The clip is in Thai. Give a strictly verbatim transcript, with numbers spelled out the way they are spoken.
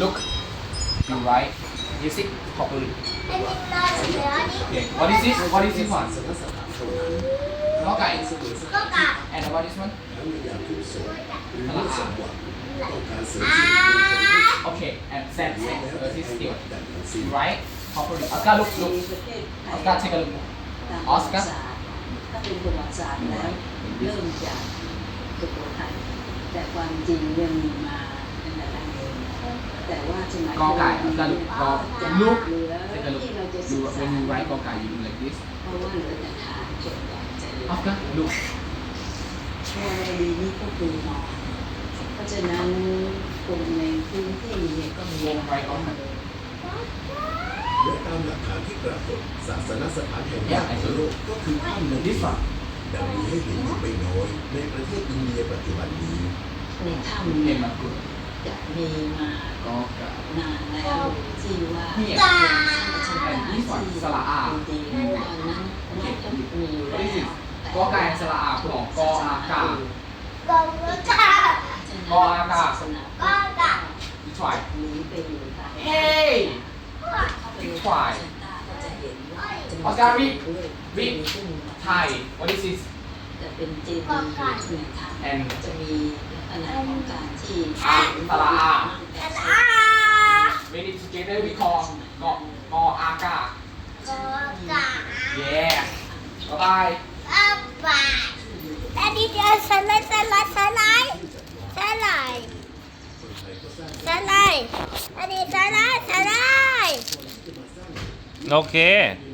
look you write music properly okay what is this what is this one กอไก่ and what is one สระอา okay and send send uh, this still right properly Oscar look look Oscar take a look Oscar ถ้าเป็นประวัติศาสตร์แล้วเริ่มจากสุโขทัยแต่ความจริงยังมีมาตั้งแต่แรกเลยแต่ว่าสมัยกอไก่ Oscar look กอ look เหลือ take a look ที่เราจะศึ you กษา when you write กอไก่ you do like this เพราะว่าเหลือแต่ฐานจนใหญ่จะเหลือ Oscar look วรดีนี่ก็คือมอนเพราะฉะนั้นคนในพื้นที่เนี่ยก็มีวงไรกอไก่และตามหลักฐานที่ปรากฏศาสนสถานแห่งแรกของโลกก็คือถ้ำในที่สุดดังมีให้เห็นอยู่ไม่น้อยในประเทศอินเดียปัจจุบันนี้ในถ้ำเห็เนี่ยนมาคือจะมีมากอไก่นานแล้วที่ว่าเนี่ยเป็นที่สระอาจริงๆตอนนั้นมันก็มีอยู่แล้วกอไก่สระอาของกออากากองกากออากาศสนากอกาอีทวายหนีไปอยู่ต่างเฮ้ยอีกฝ่ายก็จะเห็นว่าจะมีออสการ์วิด้วยวิมีขึ้นมาไทย what is this จะเป็นเจดีย์อยู่ในถ้ำ and จะมีลักษณะของการที่อ่ะสระอาอา when it together we call กอกออากากอกา yeah บ๊ายบายอาบาอันนี้จะสไลด์สไลด์สไลด์สไลด์สไลด์อันนี้สไลด์สไลด์โอเค